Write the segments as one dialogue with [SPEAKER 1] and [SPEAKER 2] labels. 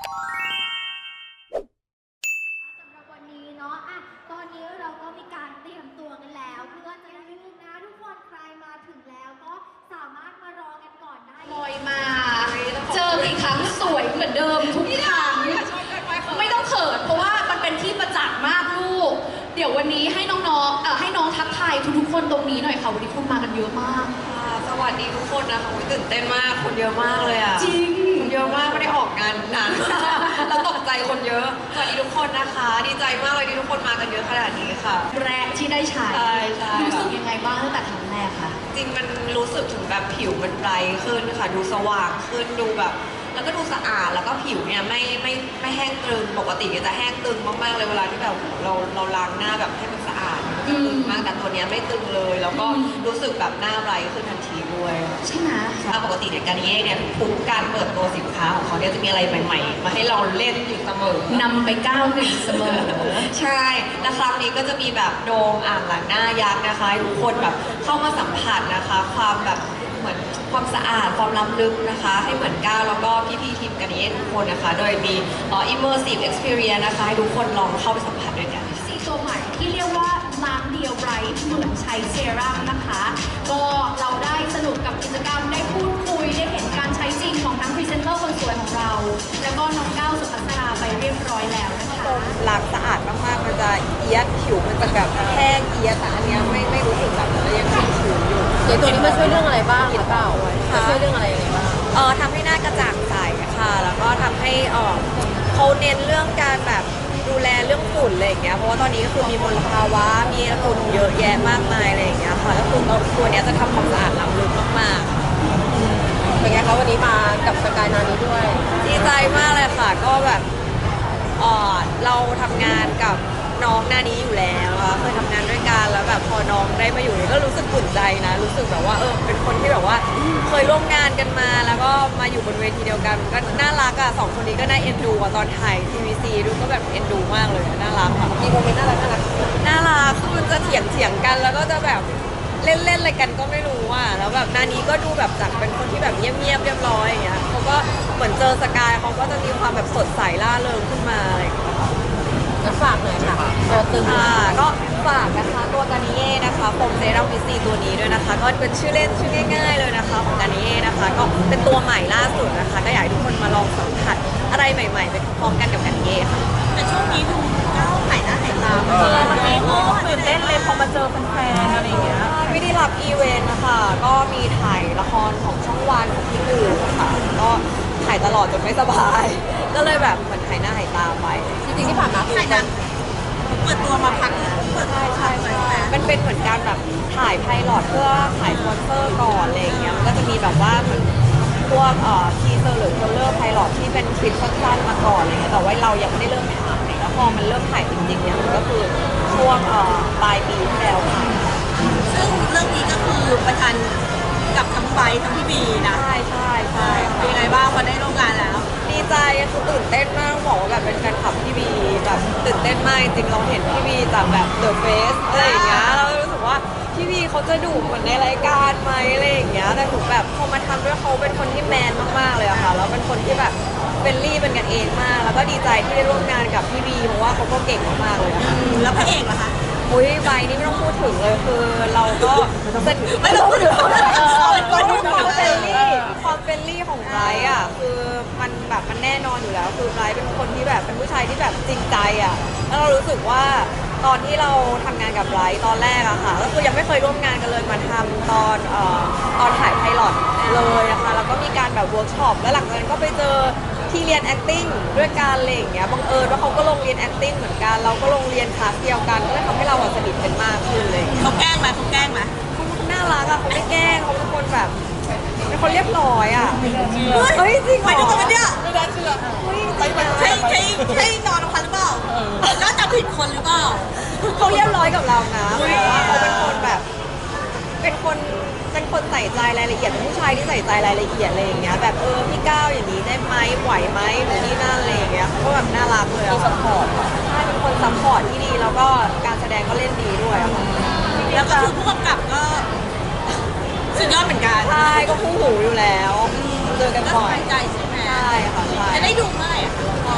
[SPEAKER 1] สำหรับวันนี้เนาะตอนนี้เราก็มีการเตรียมตัวกันแล้วเพื่อจะอย่าลืมนะทุกคนใครมาถึงแล้วก็สามารถมารอกันก่อนได้ลอยมาเจอกี่ครั้งสวยเหมือนเดิมทุกครั้งไม่ต้องเขินเพราะว่ามันเป็นที่ประจักษ์มากลูกเดี๋ยววันนี้ให้น้องๆให้น้องทักทายทุกๆคนตรงนี้หน่อยค่ะวันนี้คุณมากันเยอะมาก
[SPEAKER 2] สวัสดีทุกคนนะคะตื่นเต้นมากคนเยอะมากเลยอ่ะ
[SPEAKER 1] จริง
[SPEAKER 2] เยอะมากไม่ได้ออกงานนานแล้วตกใจคนเยอะสวัสดีทุกคนนะคะดีใจมากเลยที่ทุกคนมากันเยอะขนาดนี้ค่ะ
[SPEAKER 1] แรกที่ได้ใช้รู้สึกยังไงบ้างตั้งแต่ครั้งแรกคะ
[SPEAKER 2] จริงมันรู้สึกถึงแบบผิวมันไบรท์ขึ้นค่ะดูสว่างขึ้นดูแบบแล้วก็ดูสะอาดแล้วก็ผิวเนี่ยไม่แห้งตึงปกติจะแห้งตึงมากๆเลยเวลาที่แบบเราล้างหน้าแบบให้มันสะอาดตึงมากแต่ตัวเนี้ยไม่ตึงเลยแล้วก็รู้สึกแบบหน้าไบรท์ขึ้นทันทีด้วย
[SPEAKER 1] ใช่ไหม
[SPEAKER 2] ปกติเนี่ยการนี้เนี่ยทุกการเปิดตัวสินค้าของเขาเนี่ยจะมีอะไรใหม่ๆมาให้เราเล่นอยู่เสมอน
[SPEAKER 1] ำไปก้าวหนึ่งเสมอ
[SPEAKER 2] ใช่และครั้งนี้ก็จะมีแบบโดมอ่างล้างหน้ายักษ์นะคะให้ทุกคนแบบเข้ามาสัมผัสนะคะความแบบเหมือนความสะอาดความล้ำลึกนะคะให้เหมือนก้าวแล้วก็พี่ๆทีมกันนี้ทุกคนนะคะโดยมีimmersive experience นะคะให้ทุกคนลองเข้าไปสัมผัสด้วยกัน
[SPEAKER 1] สีตัวใหม่ที่เรียกว่าล้างเดียวไบรท์เหมือนใช้เซรั่มนะคะก็เราได้สนุกกับกิจกรรมได้พูดคุยได้เห็นการใช้จริงของทั้งพรีเซนเตอร์คนสวยของเราแล้วก็น้องก้าวสุภัสราไปเรียบร้อยแล้วนะคะ
[SPEAKER 2] ล้างสะอาดมากๆมันจะเอียดผิวมันจะแบบแห้งเอียดแต่อันนี้ไม่รู้สึกแบบยังชื้นอยู่
[SPEAKER 3] เดี๋ยวตัวนี้มาช่วยเรื่องอะไรบ้างหรือเปล่าช่วยเรื่องอะไรยังไงบ้าง
[SPEAKER 2] ทำให้หน้ากระจ่างใสค่ะแล้วก็ทำให้เขาเน้นเรื่องการแบบดูแลเรื่องฝุ่นอะไรอย่างเงี้ยเพราะว่าตอนนี้ก็คือมีมลภาวะมีฝุ่นเยอะแยะมากมายอะไรอย่างเงี้ยค่ะแล้วคือตัวเนี้ยจะทำความสะอาดล้ำลึกมาก
[SPEAKER 3] ๆเป็นไงคะวันนี้มากับสกายนานี้ด้วย
[SPEAKER 2] ดีใจมากเลยค่ะก็แบบเราทำงานกับน้องนานี้อยู่แล้วเคยทำงานด้วยกันแล้วแบบพอน้องได้มาอยู่นี่ก็รู้สึกอุ่นใจนะรู้สึกแบบว่าเป็นคนที่แบบว่าเคยร่วมงานกันมาแล้วก็มาอยู่บนเวทีเดียวกันก็น่ารักอ่ะสองคนนี้ก็น่าเอ็นดูตอนถ่าย TVC ดูก็แบบเอ็นดูมากเลยน่ารักค่ะ
[SPEAKER 3] มีโมเมนต์น่ารัก
[SPEAKER 2] คือมันจะเถียงกันแล้วก็จะแบบเล่นอะไรกันก็ไม่รู้อ่ะแล้วแบบนานี้ก็ดูแบบจากเป็นคนที่แบบเงียบเรียบร้อยอย่างเงี้ยเขาก็เหมือนเจอสกายเขาก็จะมีความแบบสดใสล่าเริงขึ้นมาอะไรอย่างเงี้ย
[SPEAKER 3] ก็ฝากหน่อยค่ะตัวตึง
[SPEAKER 2] ก็ฝากนะคะตัวกานิเย่นะคะโฟมเซรั่มวิซีตัวนี้ด้วยนะคะก็เป็นชื่อเล่นชื่อง่ายๆเลยนะคะของกานิเย่นะคะก็เป็นตัวใหม่ล่าสุดนะคะก็อยากให้ทุกคนมาลองสัมผัสอะไรใหม่ๆไปพร้อมกันกับกานิเย่ค่ะ
[SPEAKER 3] แต่ช่วงนี้ดูก้าวหายหน้าหายตาวันนี้ก็ตื่นเต้นเลยพอมาเจอแฟนๆอะไรอย่างเงี้ย
[SPEAKER 2] ไม่ได้รับอีเวนต์นะคะก็มีถ่ายละครของช่องวันของพี่อื่นค่ะก็ถ่ายตลอดจนไม่สบายก็เลยแบบเหมือนหายหน้าหายตาไป
[SPEAKER 3] จริงๆที่ผ่านมา
[SPEAKER 1] ถ่ายหนังเปิดตัวมาพัก
[SPEAKER 2] ใช่มันเป็นเหมือนการแบบถ่ายไพลอตเพื่อถ่ายสปอนเซอร์ก่อนอะไรอย่างเงี้ยมันก็จะมีแบบว่าเหมือนพวกทีเซอร์หรือเทรลเลอร์ไพลอตที่เป็นคลิปสั้นๆมาก่อนอะไรเงี้ยแต่ว่าเรายังไม่ได้เริ่มถ่ายแล้วพอมันเริ่มถ่ายจริงๆเนี่ยมันก็คือช่วงปลายปีที่แล้วค่ะ
[SPEAKER 1] ซึ่งเรื่องนี้ก็คือประชันกับทั้งไบทั้งพี่บีนะ
[SPEAKER 2] ใช่
[SPEAKER 1] เป็นไงบ้างพอได้ร่วมงานแล้ว
[SPEAKER 2] ดีใจคือตื่นเต้นมากบอกว่าแบบเป็นแฟนคลับพี่บีแบบตื่นเต้นมากจริงเราเห็นพี่บีจากแบบเดอะเฟสอะไรอย่างเงี้ยเรารู้สึกว่าพี่บีเขาจะดุเหมือนในรายการไหมอะไรอย่างเงี้ยแต่ถูกแบบพอมาทำด้วยเขาเป็นคนที่แมนมากๆเลยอะค่ะแล้วเป็นคนที่แบบเป็นรี่เป็นกันเองมากแล้วก็ดีใจที่ได้ร่วมงานกับพี่บีเพราะว่าเขาก็เก่งมากๆเลยค่ะ
[SPEAKER 1] แล้วพระเอกล่ะคะ
[SPEAKER 2] อุ้ยใบนี่ไม่ต้องพูดถึงเลยคือเราก็
[SPEAKER 1] ไม่ต้องพูดถึง
[SPEAKER 2] ความเฟรนลี่ของไบรท์อ่ะคือมันแบบมันแน่นอนอยู่แล้วคือไบรท์เป็นคนที่แบบเป็นผู้ชายที่แบบจริงใจอ่ะแล้วเรารู้สึกว่าตอนที่เราทำงานกับไบรท์ตอนแรกอะค่ะก็คือยังไม่เคยร่วมงานกันเลยมาทำตอนถ่ายไพลอตเลยนะคะแล้วก็มีการแบบเวิร์กช็อปแล้วหลังจากนั้นก็ไปเจอที่เรียน acting ด้วยกันอะไรอย่างเงี้ยบังเอิญว่าเขาก็ลงเรียน acting เหมือนกันเราก็ลงเรียนคลาสเดียวกันก็เลยทำให้เราสนิทกันมากขึ้นเลย
[SPEAKER 1] เขาแกล้งไหมเขา
[SPEAKER 2] น่ารักอะเขาไม่แกล้งเขาเป็นคนแบบเป็นคนเรียบร้อยอะเฮ้ยจริงเหรอ
[SPEAKER 1] ไปดูกันเนี่ย
[SPEAKER 3] ไม่ได้เชื่อ
[SPEAKER 1] ใช่นอนพันหรือเปล่าแล้วจะผิดคนหรือเปล่า
[SPEAKER 2] เขาเรียบร้อยกับเรานะเพราะว่าเขาเป็นคนแบบเป็นคนใส่ใจรายละเอียดเป็นผู้ชายที่ใส่ใจรายละเอียดอะไรอย่างเงี้ยแบบพี่ก้าวอย่างนี้ได้ไหมไหวไหมหรือนี่นั่นอะไรอย่างเงี้ยเขาก็แบบน่ารักเลยอะ
[SPEAKER 3] ซัพพอร์ต
[SPEAKER 2] ใช่เป็นคนซัพพอร์ตที่ดีแล้วก็การแสดงก็เล่นดีด้วยอะ
[SPEAKER 1] แล้วก็คือผู้กำกับก็สุดยอดเหมือนกัน
[SPEAKER 2] ใช่ก็คู่หูอยู่แล้วเจอกันบ่อย
[SPEAKER 1] ใจใช่ไหม
[SPEAKER 2] ใช่ค่ะใช่
[SPEAKER 1] จะได้ดูเมื่อไหร่คะ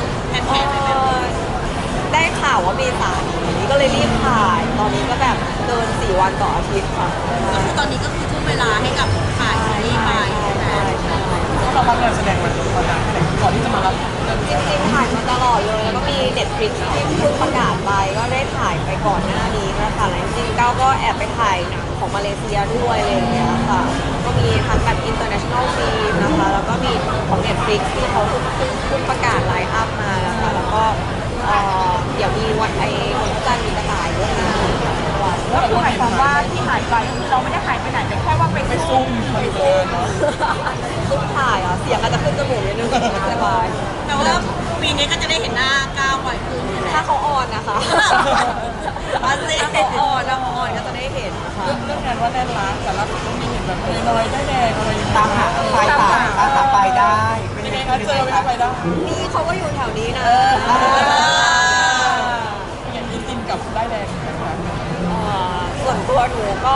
[SPEAKER 2] ข่าวว่าเมษายนนี้ก็เลยรีบถ่าย ตอนนี้ก็แบบเดิน4 วันต่ออาทิตย์ค่ะ
[SPEAKER 3] ก็คือตอนนี้ก็คือทุ่มเวลาให้กับถ่ายซีรีส์ไปใช่ไหม
[SPEAKER 4] เรารับงานแสดงมาตอนนั้นก่อนที่จะมารับ
[SPEAKER 2] จริงๆถ่ายมาตลอดเลย แล้วก็มี Netflix ที่เพิ่งประกาศไปก็ได้ถ่ายไปก่อนหน้านี้นะคะแล้วจริงๆก้าวก็แอบไปถ่ายหนังของมาเลเซียด้วยอะไรอย่างเงี้ยค่ะ ก็มีทั้งแบบ international film นะคะ แล้วก็มีของ Netflix ที่เขาเพิ่งประกาศไลน์อัพมานะคะแล้วก็เดี๋ยวมีวันวันพระจันทร์มีกระต่ายด้วยนะ
[SPEAKER 3] ก็คือหมายความว่าที่หายไปคือเราไม่ได้หายไปไหนแต่แค่ว่าไปซุ่ม
[SPEAKER 4] ไปเดินเนาะ
[SPEAKER 2] ซุ่มถ่ายอ่ะเสียงอาจจะขึ้นจมูกนิดนึงสบาย
[SPEAKER 3] แต่ว่าปีนี้ก็จะได้เห็นหน้าก้าวบ่อยขึ้นใช่ไหม
[SPEAKER 2] ถ้าเขาออนนะคะ
[SPEAKER 3] อันนี้
[SPEAKER 2] ถ้าเขาออนก็จะได้เห็นนะคะ
[SPEAKER 4] เรื่องงานว่าแน่นร้านแต่ละคนมีเห็นแบบน้อยได้แดงอะไรอย่างเงี้ย
[SPEAKER 5] ตามหาไฟตามไปได้เป็น
[SPEAKER 4] ยัง
[SPEAKER 5] ไง
[SPEAKER 4] ไง
[SPEAKER 5] คะ
[SPEAKER 4] คะเจอไม่ได้ไปได้
[SPEAKER 2] นี่เขาก็อยู่แถวนี้นะ
[SPEAKER 4] ยังมีกินกับได้แดงนะคะ
[SPEAKER 2] ส่วนตัวหนูก็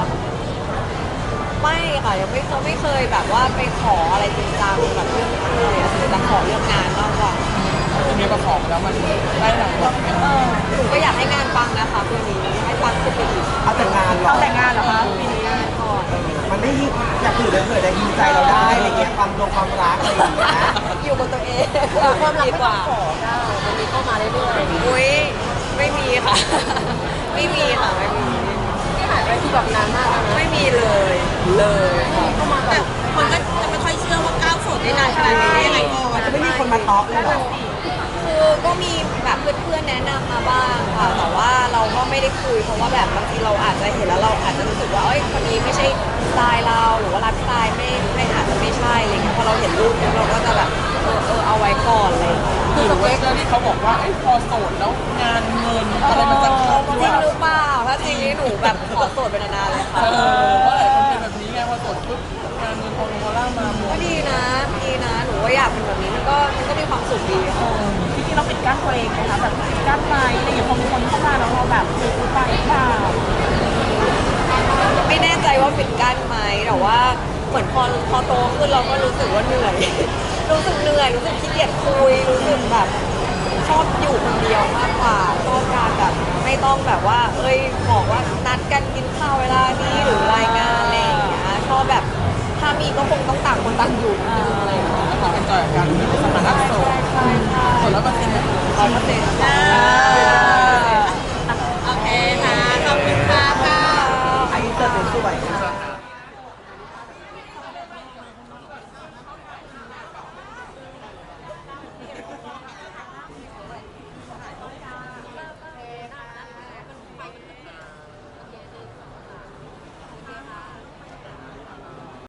[SPEAKER 2] ไม่ค่ะยังไม่เคยแบบว่าไปขออะไรจริงจังแบบเรื่องนี้เลยอะคือจะขอเรื่องงานมากกว่า
[SPEAKER 4] ทีนี้ประกอบแล้วมันได้หลังหวังไหม
[SPEAKER 2] หนูก็อยากให้งานปังนะคะปีนี้ให้ปังขึ้นไปอีก
[SPEAKER 5] เอาแต่งานเหรอ
[SPEAKER 3] เอาแต่งงานเหรอคะปีนี้
[SPEAKER 2] ก่อน
[SPEAKER 5] มันได้ยินอยากถือเลยเผื่อได้ยินใจเราได้อะไรเงี้ยความรักอะไรอย่างเงี้ย
[SPEAKER 2] อยู่กับตัวเองความดีกว่ามันมีเข้ามาเรื่อยๆอุ้ยไม่มีค่ะ ไม่มีค่ะไม่มี
[SPEAKER 3] ที่หายไปคือแบบนานมากแล้วนะ
[SPEAKER 2] ไม่มีเลยค่ะ
[SPEAKER 3] แต่คนก็จะไม่ค่อยเชื่อว่าก้าวโสดได้นานขนาดนี้ได้ยังไงก่อน
[SPEAKER 5] จะไม่มีคนมาท็อปเลยเหรอ
[SPEAKER 2] คือก็มีแบบเพื่อนๆแนะนำมาบ้างค่ะ แต่ว่าเราก็ไม่ได้คุยเพราะว่าแบบบางทีเราอาจจะเห็นแล้วเราอาจจะรู้สึกว่าเอ้ยคนนี้ไม่ใช่สไตล์เราหรือว่าไลฟ์สไตล์ไม่อาจจะไม่ใช่อะไรเงี้ยพอเราเห็นรูปเราก็จะแบบเอาไว้ก่อนอะไรเลย
[SPEAKER 4] คือสเปคที่เขาบอกว่าพอโสดแล้วงานเงินอะไรมันจะเข้า
[SPEAKER 2] จริงหรือเปล่าถ้าจริงนี่หนูแบบขอโสดไปนานๆเลยค่ะ
[SPEAKER 4] ว่าหลายคนเป็นแบบนี้ไงพอโสดปุ๊บงานเงินทองโมล่ามาหม
[SPEAKER 2] ก็
[SPEAKER 4] ด
[SPEAKER 2] ดีนะหนูว่าอยากเป็นแบบนี้มันก็มีความสุขดีค่ะ
[SPEAKER 3] จริงๆเราปิดกั้นตัวเองนะคะแบบปิดกั้นไปอะไรอย่างเงี้ยพอมีคนเข้ามาแล้วเราแบบปิดไปหรือเปล่า
[SPEAKER 2] ไม่แน่ใจว่าปิดกั้นไหมแต่ว่าเหมือนพอโตขึ้นเราก็รู้สึกว่าเหนื่อย รู้สึกเหนื่อยรู้สึกขี้เกียจคุยรู้สึกแบบชอบอยู่คนเดียวมากกว่าชอบการแบบไม่ต้องแบบว่า เอ้ยบอกว่านัดกันกินข้าวเวลานี้หรือรายงานอะไรอย่างเงี้ยชอบแบบถ้ามีก็คงต้องต่างคนต่างอยู่นิดนึงอะไรอย่างเงี้ย
[SPEAKER 4] แล้วก็เป็นจอยกันสถานะโสด
[SPEAKER 2] ใช่
[SPEAKER 4] โสดแล้วมันเป็นแบบ
[SPEAKER 2] 100%